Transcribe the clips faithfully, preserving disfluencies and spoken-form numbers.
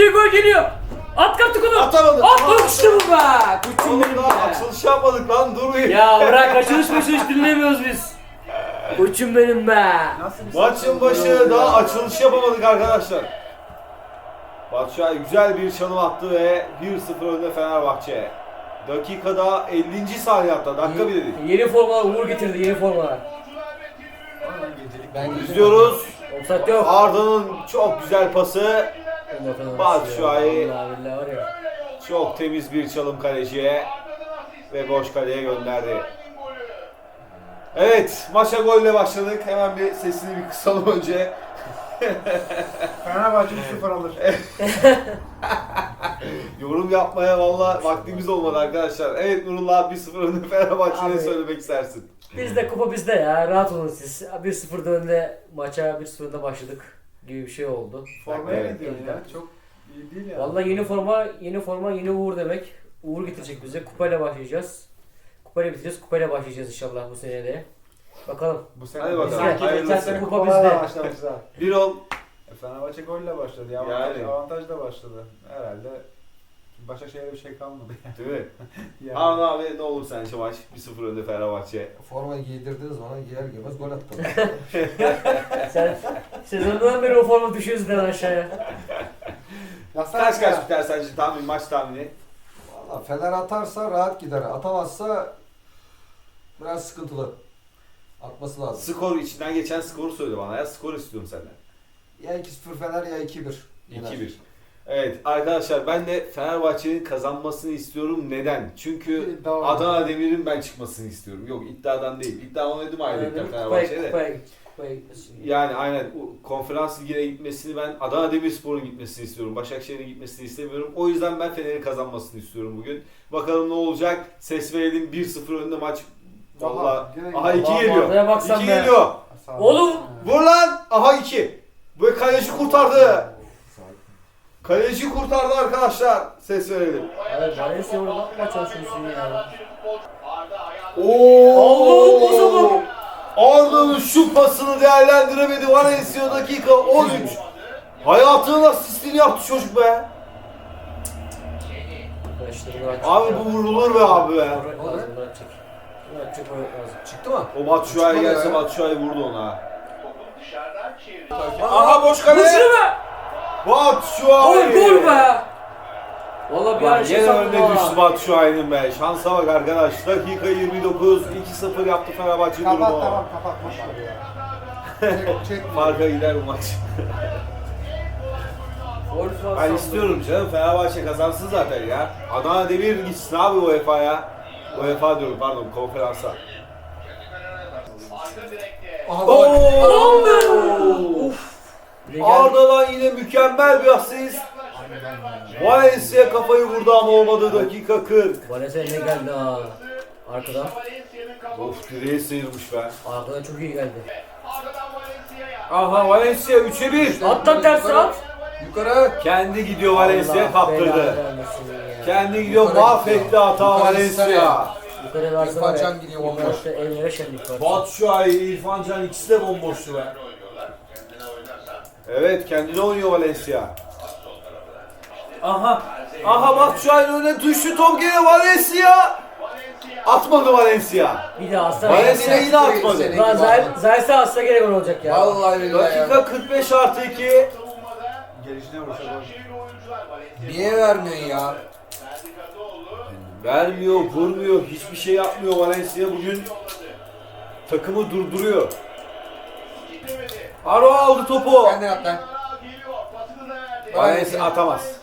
geliyor gol geliyor. At kaptık onu. Atamadı. At gol işte bu be. Kuçum Oğlum benim daha be. açılış yapmadık lan, durmayın. Ya bırak açılış açılış dinlemiyoruz biz. Kuçum benim be. Maçın başı daha açılış yapamadık arkadaşlar. Batshuayi güzel bir çalım attı ve bir sıfır önde Fenerbahçe. Dakikada ellinci saniye hatta, dakika bile değil. Yeni formalar Uğur getirdi yeni formalar. Ben İzliyoruz. Offside yok. Arda'nın çok güzel pası. Batshuayi. Vallahi billahi var ya. Çok temiz bir çalım kaleciye. Ve boş kaleye gönderdi. Evet, maça golle başladık. Hemen bir sesini bir kısalım önce. Fenerbahçe üç sıfır alır. Yorum yapmaya valla vaktimiz olmadı arkadaşlar. Evet Nurullah, bir sıfır önde Fenerbahçe'ye Abi. söylemek istersin. Bizde kupa bizde ya. Rahat olun siz. bir sıfırda önde maça bir sıfır önde başladık gibi bir şey oldu. Formaya Evet. ne diyorsun ya? Çok iyi değil ya. Vallahi yeni forma, yeni forma, yeni Uğur demek. Uğur getirecek bize. Kupayla başlayacağız. Kupayla bitireceğiz. Kupayla başlayacağız inşallah bu sene de. Bakalım. Bu sene Hadi bakalım, Bizde hayırlısı. geçen sene kupa kupalarla bizde. başlamışlar. Bir ol. E, Fenerbahçe golle başladı ya. Yani. Avantaj, avantajla başladı. Herhalde Başakşehir'e bir şey kalmadı yani. Değil mi? yani. Harun abi ne olur sence maç? bir sıfır önde Fenerbahçe. Formayı giydirdiniz bana, giyer giymez gol attım. Sen sezondan beri o forma düşüyorsun lan aşağıya. Kaç kaç biter sence tahmin, maç tahmini? Valla Fener atarsa rahat gider. Atamazsa biraz sıkıntılı. Atması lazım. Skor, içinden geçen skoru söyle bana ya. Skor istiyorum senden. Ya iki sıfır Fener ya iki bir. iki bir. Evet arkadaşlar, ben de Fenerbahçe'nin kazanmasını istiyorum. Neden? Çünkü İddia Adana Demir'in ben çıkmasını istiyorum. Yok, iddiadan değil. İddia oynadım ayrıca Fenerbahçe'de. Kupaya, kupaya, kupaya gitmesin. Yani aynen o konferans ligine gitmesini, ben Adana Demirspor'un gitmesini istiyorum. Başakşehir'in gitmesini istemiyorum. O yüzden ben Fener'in kazanmasını istiyorum bugün. Bakalım ne olacak? Ses verelim, bir sıfır önde maç. Valla. direkt- Aha iki Vallahi geliyor. Arda'ya baksan iki be. geliyor. Sağ ol. Oğlum! Vur lan. Aha iki. Bu kaleci kurtardı. Kaleci kurtardı arkadaşlar. Ses verelim. Abi Valencia orada bakma çalışıyorsun ya. Oo! Allah'ım o zaman. Arda'nın şu pasını değerlendiremedi. Valencia dakika on üç. Hayatının asistini yaptı çocuk be. Abi bu vurulur be abi be. Lazım bırakacak. Bırakacak o lazım. Çıktı mı? O Batshuayi Çıkmadı gelse ya. Batshuayi vurdu ona. Aha boş kale. Vur be! Batshuayi. Gol gol be! Valla bir Lan ara şey gene sandım önüne düştü ha. Batshuayi'nin be. Şansa bak arkadaş. Dakika yirmi dokuz. iki sıfır yaptı Fenerbahçe Kapat durumu. tamam kapat. Boş ver ya. Çek, çek. Farka gider bu maç. Gol falan Ben sandım. istiyorum canım, Fenerbahçe kazansın zaten ya. Adana Demir gitsin abi U E F A'ya. U E F A diyorum, pardon, konferansa. Aha Oo! gol. Uf. Gel. Arda'dan yine mükemmel bir asist. Valencia kafayı vurdu ama olmadı, dakika kırk. Valencia ne geldi ha? Arkadan. Of, direğe sıyırmış be. Arkadan çok iyi geldi. Aha Valencia üçe bir. At lan tersi at. Yukarı. Kendi gidiyor Valencia, Allah kaptırdı. belanı vermesin ya. Kendi gidiyor, Yukarı mahvetti gidiyor. hata Yukarı Valencia. gitsene. Yukarı versene. İrfan be. Can gidiyor bomboş. Yukarıda evlere şenlik var. Batshuayi, İrfan Can ikisi de bomboştu be. Evet, kendine oynuyor Valencia. Aha, aha Batshuayi'nin önüne düştü top, gene Valencia. Atmadı Valencia. Bir daha asla. Valencia yine atmadı. Seni- Lan Zay- Zayt'sa atsa gene gol olacak ya. Vallahi billahi ya. Dakika kırk beş artı iki. Gelişine vursa gol. Niye vermiyorsun ya? Vermiyor, vurmuyor, hiçbir şey yapmıyor Valencia bugün. Takımı durduruyor. Aro aldı topu. Kendin at lan. Valencia atamaz.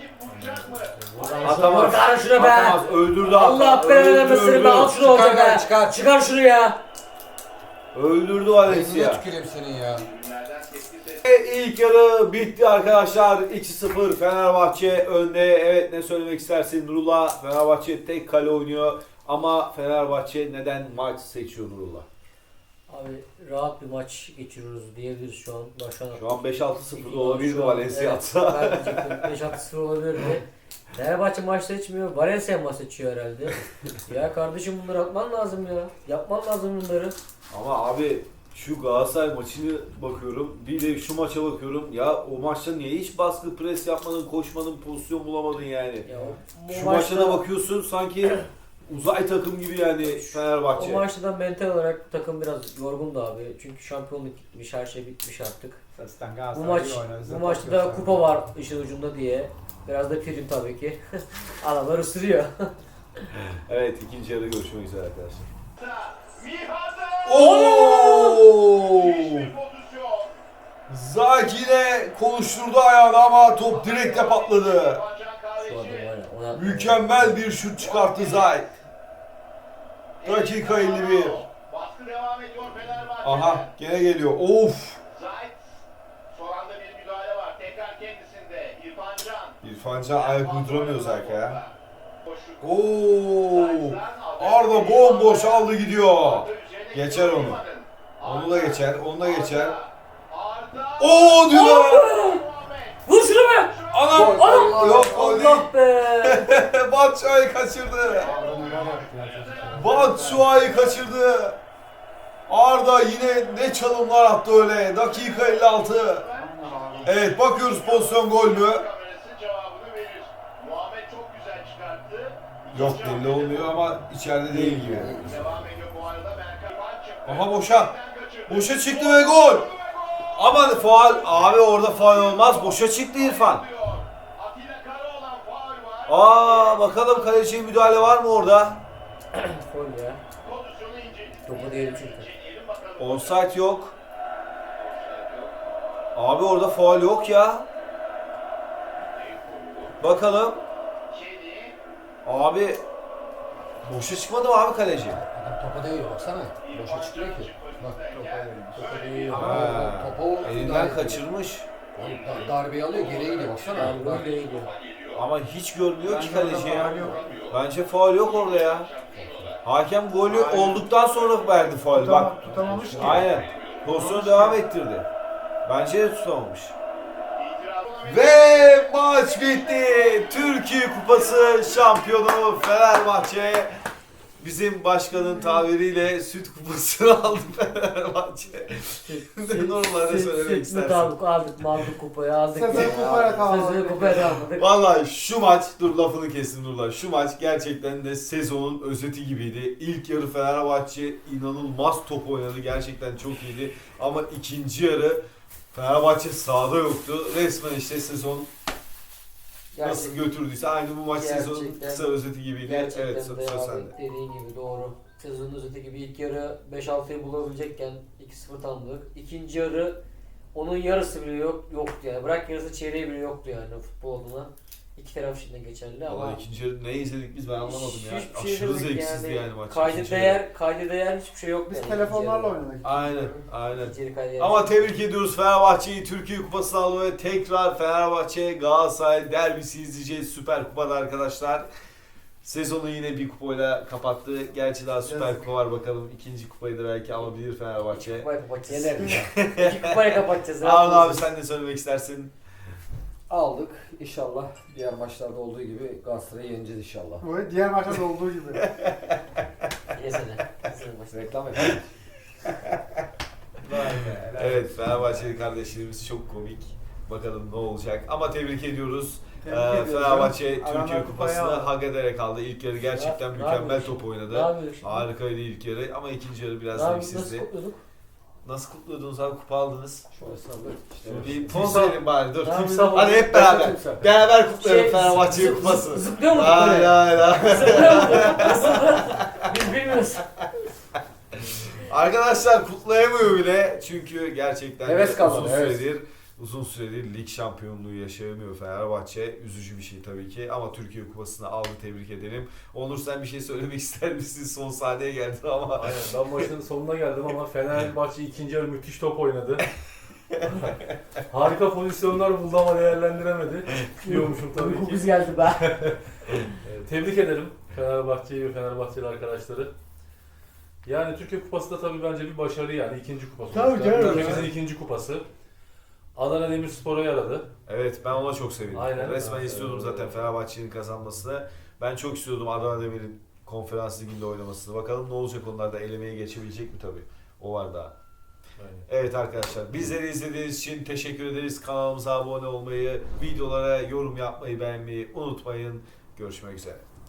Atamaz. Çıkar şunu be. Atamaz. Öldürdü hatta. Allah belanı vermesin be. Al şunu Çıkar olacak lan, be. çıkar. Çıkar şunu ya. Öldürdü Yüzüne Valencia. tüküreyim senin ya. Ve ilk yarı bitti arkadaşlar. iki sıfır Fenerbahçe önde. Evet, ne söylemek istersin Nurullah? Fenerbahçe tek kale oynuyor. Ama Fenerbahçe neden maç seçiyor Nurullah? Abi rahat bir maç geçiriyoruz diyebiliriz şu an. Başkan. Şu an beş altı sıfır Şu olabilir mi an, Valencia evet, atsa? ben diyecektim beş altı sıfır olabilirdi. Fenerbahçe maç seçmiyor. Valencia maç seçiyor herhalde. Ya kardeşim bunları atman lazım ya. Yapman lazım bunları. Ama abi Şu Galatasaray maçını bakıyorum, bir de şu maça bakıyorum. Ya o maçta niye hiç baskı pres yapmadın, koşmadın, pozisyon bulamadın yani. Ya o- Şu bu maça da maçta- bakıyorsun sanki uzay takım gibi yani O Fenerbahçe. maçta da mental olarak takım biraz yorgundu abi. Çünkü şampiyonluk gitmiş, her şey bitmiş artık. Zaten Bu Galatasaray maç iyi oynar, bize bu top maçta da gösterdi. kupa var işin ucunda diye. Biraz da prim tabii ki. Adamlar ısırıyor. Evet, ikinci yarı görüşmek üzere arkadaşlar. Oo! Oo! Zakine konuşturdu ayağını ama top direkte patladı. Şu adam var ya, ona... Mükemmel bir şut çıkarttı Zayt. Dakika elli bir. Baskı devam ediyor Fenerbahçe'de. Aha, gene geliyor. Of! Zayt. Son anda bir müdahale var. Tekrar kendisinde. İrfan Can. İrfan Can ayak uyduramıyor Zayt'a ya. Boşluk. Oo! Arda bomboş aldı gidiyor. Geçer onu. Onu da geçer, onu da geçer. Arda. Oo diyor. Vur şunu be! Anam! Allah Yok o değil. Allah be! Batshuayi kaçırdı. Arda neler yaptı ya çocuk. Batshuayi kaçırdı. Arda yine ne çalımlar attı öyle. Dakika elli altı. Evet, bakıyoruz pozisyon gol mü? Kamerası cevabını verir. Muhammed çok güzel çıkarttı. Yok, belli olmuyor ama içeride değil gibi. Devam ediyor bu arada. Berkan çıktı. Aha boşa. Boşa çıktı ve gol. Aman faul. Abi orada faul olmaz. Boşa çıktı İrfan. Atilla Karaoğlan faul var. Aa, bakalım kaleciye müdahale var mı orada? Gol ya. Pozisyonu inceledik. Topu diyelim çünkü. İnceleyelim bakalım. Offside yok. Abi orada faul yok ya. Bakalım. Kedi. Abi boşa çıkmadı mı abi kaleci? Adam topa değiyor baksana. Boşa çıkıyor ki. Bak Topa verilmiş. topa değiyor. Ha. Topa o Elinden kaçırmış. Da- Darbeyi alıyor geriye gidiyor baksana. Yani gol de gidiyor. Ama hiç görmüyor ki Bence orada kaleci ya. faul yok. Bence faul yok orada ya. Hakem golü olduktan sonra verdi faul. Bak. Tutama- tutamamış ki. Aynen. Pozisyonu devam ettirdi. Bence de tutamamış. İtiraz- Ve maç bitti. Türkiye Kupası şampiyonu Fenerbahçe. Bizim başkanın tabiriyle süt kupasını aldı Fenerbahçe. Normalde söylemek istersin. Aldık, aldık, aldık kupayı aldık. Sezonu ya. kupaya tamamladık. Sezonu kupaya tamamladık. Vallahi şu maç, dur lafını kestim Nurlar. Şu maç gerçekten de sezonun özeti gibiydi. İlk yarı Fenerbahçe inanılmaz top oynadı. Gerçekten çok iyiydi. Ama ikinci yarı Fenerbahçe sahada yoktu. Resmen işte sezon nasıl Gerçekten- götürdüyse aynı bu maç sezonun Gerçekten- kısa özeti gibiydi. Gerçekten Evet, de söz abi, sende. dediğin gibi doğru. Sezonun özeti gibi ilk yarı beş altıyı bulabilecekken iki sıfır tamamladık. İkinci yarı onun yarısı bile yok yoktu yani. Bırak yarısı çeyreği bile yoktu yani futbol adına. İki taraf için de geçerli ama Vallahi ikinci yarı ne izledik biz ben anlamadım ya. hiçbir şey Aşırı demek zevksizdi yani, maç. Kaydı ikinci yarı. değer, kaydı değer hiçbir şey yok. Biz yani telefonlarla ikinci yarı. oynadık. Aynen, aynen. İkinci yarı kaydı değer Ama hiçbir şey yok. tebrik ediyoruz Fenerbahçe'yi. Türkiye Kupası'nı aldı ve tekrar Fenerbahçe Galatasaray derbisi izleyeceğiz Süper Kupa'da arkadaşlar. Sezonu yine bir kupayla kapattı. Gerçi daha Süper Kupa var, bakalım ikinci kupayı da belki alabilir Fenerbahçe. Kupayı kapatacağız. Yener ya. İki kupayı kapatacağız. Harun rahat abi olun. sen ne söylemek istersin? Aldık. İnşallah diğer maçlarda olduğu gibi Galatasaray'ı yeneceğiz inşallah. Bu diğer maçta da olduğu gibi. Yesene. Yesene başla. Reklam yapalım. Evet, Fenerbahçeli kardeşlerimiz çok komik. Bakalım ne olacak. Ama tebrik ediyoruz. Tebrik Ee, ediyoruz. Fenerbahçe Adamlar Türkiye kupayı Kupası'nı aldı. hak ederek aldı. İlk yarı gerçekten Ne- ne mükemmel yapıyorsun? top Ne oynadı. yapıyorsun? Harikaydı ilk yarı ama ikinci yarı biraz Ne yapıyorsun? Nasıl zevksizdi. kutluyorduk? Nasıl kutluyordunuz abi, kupa aldınız? Şöyle sallı. İşte Bir poz verin bari, dur. Ne yapıyorsun? Hadi hep beraber. Timsah. Beraber kutlayalım Şey, Fenerbahçe'nin zıp- kupasını. zıp- Zıplıyor mu? Hayır hayır hayır. Zıplıyor mu? Nasıl? Biz bilmiyoruz. Arkadaşlar kutlayamıyor bile çünkü gerçekten Heves de kalmadı, uzun heves. süredir uzun süredir lig şampiyonluğu yaşayamıyor Fenerbahçe. Üzücü bir şey tabii ki ama Türkiye Kupası'nı aldı, tebrik edelim. Onur sen bir şey söylemek ister misin? Son sahneye geldin ama. Aynen, ben maçın sonuna geldim ama Fenerbahçe ikinci yarı müthiş top oynadı. Harika pozisyonlar buldu ama değerlendiremedi. Diyormuşum tabii Uyku ki. biz geldi be. Ee, Tebrik ederim Fenerbahçe'yi ve Fenerbahçeli arkadaşları. Yani Türkiye Kupası da tabii bence bir başarı yani ikinci kupası. Tabii sonuçta. canım. Ülkemizin ikinci kupası. Adana Demirspor'a yaradı. Evet, ben ona çok sevindim. Aynen. Resmen Evet. istiyordum zaten Fenerbahçe'nin kazanmasını. Ben çok istiyordum Adana Demir'in konferans liginde oynamasını. Bakalım ne olacak, onlar da elemeye geçebilecek mi tabii. O var daha. Aynen. Evet arkadaşlar, bizleri izlediğiniz için teşekkür ederiz. Kanalımıza abone olmayı, videolara yorum yapmayı, beğenmeyi unutmayın. Görüşmek üzere.